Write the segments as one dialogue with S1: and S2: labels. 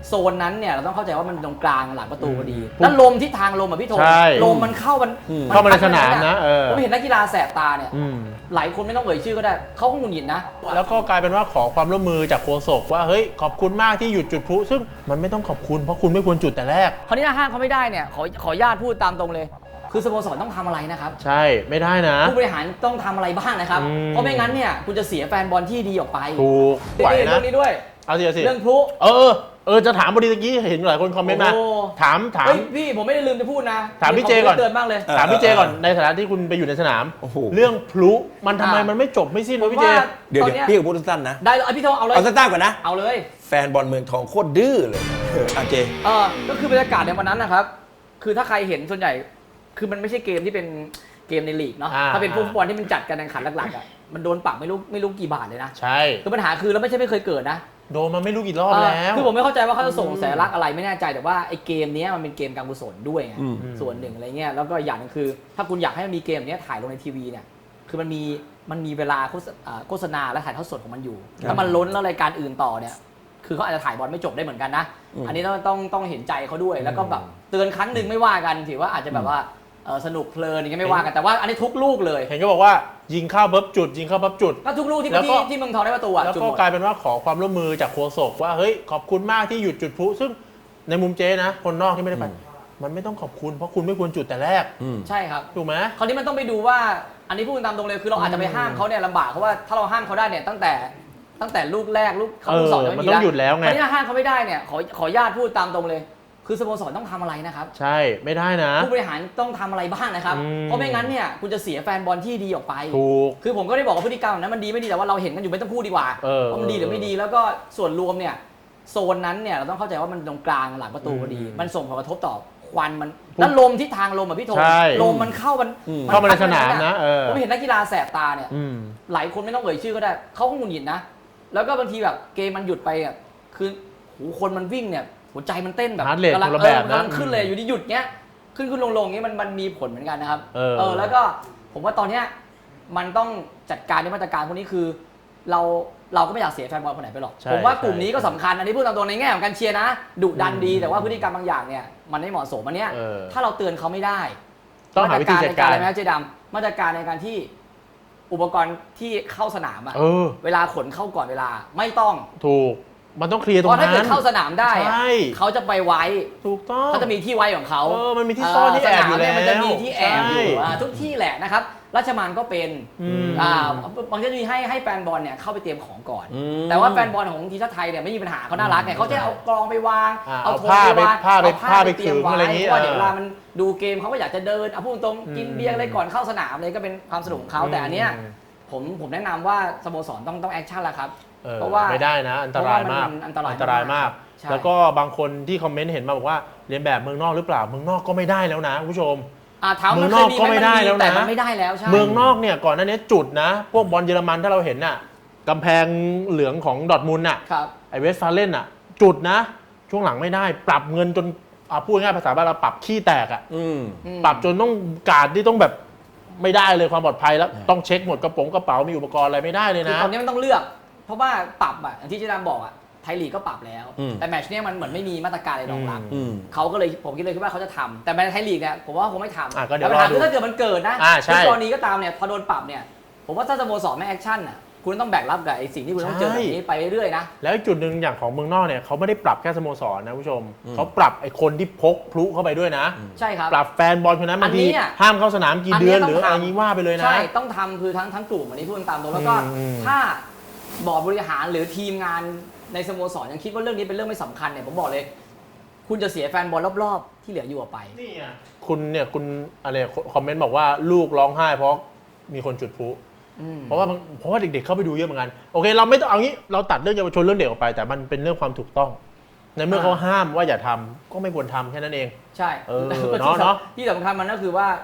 S1: โซนนั้นเนี่ยเราต้องเข้าใจว่ามันตรงกลางหลังประตูพอดีแล้วลมที่ทางลมอ่ะพี่โทลมมันเข้า
S2: มาในสนามนะ
S1: ผมเห็นนักกีฬาแสบตาเนี่ยหลายคนไม่ต้องเอ่ยชื่อก็ได้เขาก็หงุดหงิดนะ
S2: แล้วก็กลายเป็นว่าขอความร่วมมือจากโฆษกว่าเฮ้ยขอบคุณมากที่หยุดจุดพลุซึ่งมันไม่ต้องขอบคุณเพราะคุณไม่ควรจุดแต่แรก
S1: คราวนี้ห้างเขาไม่ได้เนี่ยขอญาติพูดตามตรงเลยคือสโมสรต้องทำอะไรนะครับ
S2: ใช่ไม่ได้นะ
S1: ผู้บริหารต้องทำอะไรบ้างนะครับเพราะไม่งั้นเนี่ยคุณจะเสียแฟนบอลที่ดีออกไป
S2: ถูกไหวนะ
S1: เรื่องนี้ด้วย
S2: เอาสิ
S1: เรื่องพลุ
S2: จะถามพอดีตะกี้เห็นหลายคนคอมเมนต์มาถาม
S1: พี่ผมไม่ได้ลืมจะพูดนะ
S2: ถามพี่เจก่อน
S1: เตือนบ้างเลย
S2: ถามพี่เจก่อนในฐานะที่คุณไปอยู่ในสนามเรื่องพลุมันทำไมมันไม่จบไม่สิ้นวะพี่เจ
S3: เดี๋ยวพี่ก็พูดสั้นๆนะ
S1: ได้พี่โทเอาเลย
S3: เอาสั้นๆก่อนนะ
S1: เอาเลย
S3: แฟนบอลเมืองทองโคตรดื้อเลยเจ
S1: ก็คือบรรยากาศในวันนั้นนะครับคือถ้าใครเห็นส่วนใหญ่คือมันไม่ใช่เกมที่เป็นเกมในลีกเนาะถ้าเป็นฟุตบอลที่มันจัดการแข่งขันหลักๆอ่ะมันโดนปรับไม่รู้กี่บาทเลยนะ
S2: ใช่
S1: คือปัญหาคือแล้วไม่เคยเกิดนะ
S2: โดนมาไม่รู้กี่รอบแล้ว
S1: คือผมไม่เข้าใจว่าเขาจะส่งสัญลักษณ์อะไรไม่แน่ใจแต่ว่าไอ้เกมนี้มันเป็นเกมการกุศลด้วยไงส่วนหนึ่งอะไรเงี้ยแล้วก็อย่างนึงคือถ้าคุณอยากให้มันมีเกมนี้ถ่ายลงในทีวีเนี่ยคือมันมีเวลาโฆษณาและถ่ายทอดสดของมันอยู่ถ้ามันล้นแล้วรายการอื่นต่อเนี่ยคือเขาอาจจะถ่ายบอลไม่จบได้เหมือนกันนะอันนี้ต้องเห็นใจเขาด้วยแล้วก็แบบเตือนครั้งหนึ่งไม่ว่ากันถือว่าอาจจะแบบว่าสนุกเพลินอย่างเงี้ยไม่ว่ากันแต่ว่าอันนี้ทุกลูกเลย
S2: เห็นก็บอกว่ายิงเข้าปั๊บจุดยิงเข้าปั๊บจุด
S1: ก็ทุกลูกที่เมืองทองได้ประตู
S2: แล้วก็กลายเป็นว่าขอความร่วมมือจากโฆษกว่าเฮ้ยขอบคุณมากที่หยุดจุดพลุซึ่งในมุมเจนะคนนอกที่ไม่ได้ไปมันไม่ต้องขอบคุณเพราะคุณไม่ควรจุดแต่แรก
S1: ใช่ครับ
S2: ถูกไหม
S1: คราวนี้มันต้องไปดูว่าอันนี้พูดตามตรงเลยคือเราอาจจะไปห้ามเขาเนี่ยลำบากเพราะว่าถ้าเราห้ามเขาได้เนี่ยตั้งแต่ลูกแรกลูกเขาลูกสอง
S2: มันต้องหยุดแล้วไง
S1: คราวนี้ห้ามเขาไม่ได้เนี่ยขอญาติพูดตามตรงเลยคือสโมสรต้องทำอะไรนะครับ
S2: ใช่ไม่ได้นะ
S1: ผู้บริหารต้องทำอะไรบ้างนะครับเพราะไม่งั้นเนี่ยคุณจะเสียแฟนบอลที่ดีออกไป
S2: ถูก
S1: คือผมก็ได้บอกว่าพฤติกรรมนั้นมันดีไม่ดีแต่ว่าเราเห็นกันอยู่ไม่ต้องพูดดีกว่าว่ามันดีหรือไม่ดีแล้วก็ส่วนรวมเนี่ยโซนนั้นเนี่ยเราต้องเข้าใจว่ามันตรงกลางหลังประตูพอดีมันส่งผลกระทบต่อควันมันแล้วลมที่ทางลมอ่ะพี่โทลมมันเข้า
S2: มาในสนามนะ
S1: ผมเห็นนักกีฬาแสบตาเนี่ยหลายคนไม่ต้องเอ่ยชื่อก็ได้เขาก็หงุดหงิดนะแล้วก็บางทีแบบเกมมันหยุดไปอ่ะคือคนมันวิ่งเนี่ยหัวใจมันเต้นแบบ
S2: กำ
S1: ลังขึ้นเลยอยู่ดีหยุดเงี้ยขึ้นลงเงี้ยมันมีผลเหมือนกันนะครับแล้วก็ผมว่าตอนเนี้ยมันต้องจัดการในมาตรการพวกนี้คือเราก็ไม่อยากเสียแฟนบอลคนไหนไปหรอกผมว่ากลุ่มนี้ก็สำคัญอันนี้พูดตามตรงในแง่ของการเชียร์นะดุดันดีแต่ว่าพฤติกรรมบางอย่างเนี่ยมันไม่เหมาะสมอันเนี้ยถ้าเราเตือนเขาไม่ได้
S2: ต้องหาวิธีจัดการ
S1: อะไรไหมเจดำมาตรการในการที่อุปกรณ์ที่เข้าสนามอะเวลาขนเข้าก่อนเวลาไม่ต้อง
S2: ถูกมันต้องเคลียร์ตรงนั้น
S1: เพราะถ้าเกิดเข้าสนามได้เขาจะไปไว้
S2: ถูกต้อง
S1: เขาจะมีที่ไว้ของเขา
S2: มันมีที่ซ่อนที่แอบอยู่แล้ว
S1: มันจะมีที่แอบอยู่ทุกที่แหละนะครับราชมังก็เป็นบางทีจะมีให้แฟนบอลเนี่ยเข้าไปเตรียมของก่อนแต่ว่าแฟนบอลของทีมชาติไทยเนี่ยไม่มีปัญหาเขาน่ารักไงเขาจะเอากรองไปวาง
S2: เอาผ้าไปเตรียมไว้
S1: เพราะเดี๋ยวเวลามันดูเกมเขาก็อยากจะเดินพูดตรงกินเบียร์อะไรก่อนเข้าสนามเลยก็เป็นความสนุกของเขาแต่อันเนี้ยผมแนะนำว่าสโมสรต้องแอคชั่นแล้วครับ
S2: เพราะว่าไม่ได้นะอันตรายมากอันตรายมากแล้วก็บางคนที่คอมเมนต์เห็นมาบอกว่าเรียนแบบเมืองนอกหรือเปล่าเมืองนอกก็ไม่ได้แล้วนะคุณผู้ชม
S1: เมืองนอกก็ไม่ได้แล้วนะไม่ได้แล้วใช่
S2: เมืองนอกเนี่ยก่อนหน้านี้จุดนะพวกบอลเยอรมันถ้าเราเห็นน่ะกำแพงเหลืองของดอร์ทมุนด์น่ะไอเวสต์ฟาเลนน่ะจุดนะช่วงหลังไม่ได้ปรับเงินจนพูดง่ายภาษาบ้านเราปรับขี้แตกอ่ะปรับจนต้องการที่ต้องแบบไม่ได้เลยความปลอดภัยแล้วต้องเช็คหมดกระเป๋ามีอุปกรณ์อะไรไม่ได้เลยนะ
S1: ตอนนี้มันต้องเลือกเพราะว่าปรับอ่ะอย่างที่เจดามบอกอ่ะไทยลีกก็ปรับแล้วแต่แมตช์เนี้ยมันเหมือนไม่มีมาตรการอะไรรองรับเขาก็เลยผมคิดเลยว่าเขาจะทำแต่แมตช์ไทยลีกเนี่ยผมว่าคงไม่ทำแต่ปัญหาคือถ้าเกิดมันเกิดนะในกรณีก็ตามเนี่ยพอโดนปรับเนี่ยผมว่าถ้าสโมสรไม่แอคชั่นอ่ะคุณต้องแบกรับกับไอ้สิ่งที่คุณต้องเจอแบบนี้ไปเรื่อยๆนะ
S2: แล้วจุดหนึ่งอย่างของเมืองนอกเนี่ยเขาไม่ได้ปรับแค่สโมสรนะผู้ชมเขาปรับไอ้คนที่พกพลุเข้าไปด้วยนะ
S1: ใช่ครับ
S2: ปรับแฟนบอลคนนั้นบางทีห้ามเข้าสนามกี่เดือนหรืออะไรนี้ว่าไปเลยนะ
S1: ใช่ต้องทำคือทั้งกลุ่มอันนี้พูดตามตรงแล้วก็ถ้าบอร์ดบริหารหรือทีมงานในสโมสรยังคิดว่าเรื่องนี้เป็นเรื่องไม่สำคัญเนี่ยผมบอกเลยคุณจะเสียแฟนบอลรอบๆที่เหลืออยู่ออกไป
S2: นี่คุณอะไรคอมเมนต์บอกว่าลูกร้องไห้เพราะมีคนจุดพลุเพราะว่าเด็กๆเข้าไปดูเยอะเหมือนกันโอเคเราไม่ต้องเอางี้เราตัดเรื่องเยาวชนเรื่องเด็กออกไปแต่มันเป็นเรื่องความถูกต้องในเมื่อเขาห้ามว่าอย่าทำก็ไม่ควรทำแค่นั้นเอง
S1: ใช่เนาะที่สำคัญมันก็คือว่า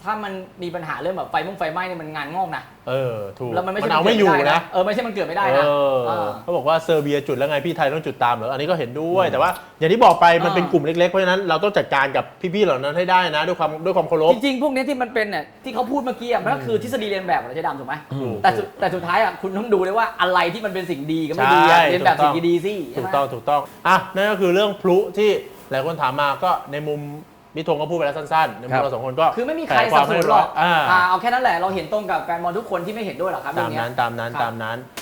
S1: ถ้ามันมีปัญหาเรื่องแบบไฟไหม้เนี่ยมันงานงอกนะ
S2: ถูก
S1: แล้วมันไม่ใช่
S2: เอาไม่อยู่นะ
S1: ไม่ใช่มันเกิดไม่ได้นะ
S2: เขาบอกว่าเซอร์เบียจุดแล้วไงพี่ไทยต้องจุดตามเหรออันนี้ก็เห็นด้วยแต่ว่าอย่างที่บอกไปมันเป็นกลุ่มเล็กๆเพราะฉะนั้นเราต้องจัดการกับพี่ๆเหล่านั้นให้ได้นะด้วยความเคารพ
S1: จริงๆพวกนี้ที่มันเป็นเนี่ยที่เขาพูดเมื่อกี้มันก็คือทฤษฎีเรียนแบบของเราใช้ดำถูกไหม
S2: ถูก
S1: แต่สุดท้ายคุณต้องดูด้วยว่าอะไรที่มันเป็นสิ่งดีกับไม่ดีเรียนแบบสิ่งดีสิ
S2: ถูกต้องนั่นก็คือเรื่องพลุที่หลายคนถามมาก็ในมุมพี่ธงก็พูดไปแล้วสั้นๆในมุมเราสองคนก็
S1: คือไม่มีใครสนับสนุนหรอก
S2: เอา
S1: เอาแค่นั้นแหละเราเห็นตรงกับแฟนบอลทุกคนที่ไม่เห็นด้วยหรอกครับ
S2: ตามนั้น
S1: เรื่องเนี้ย
S2: ตามนั้น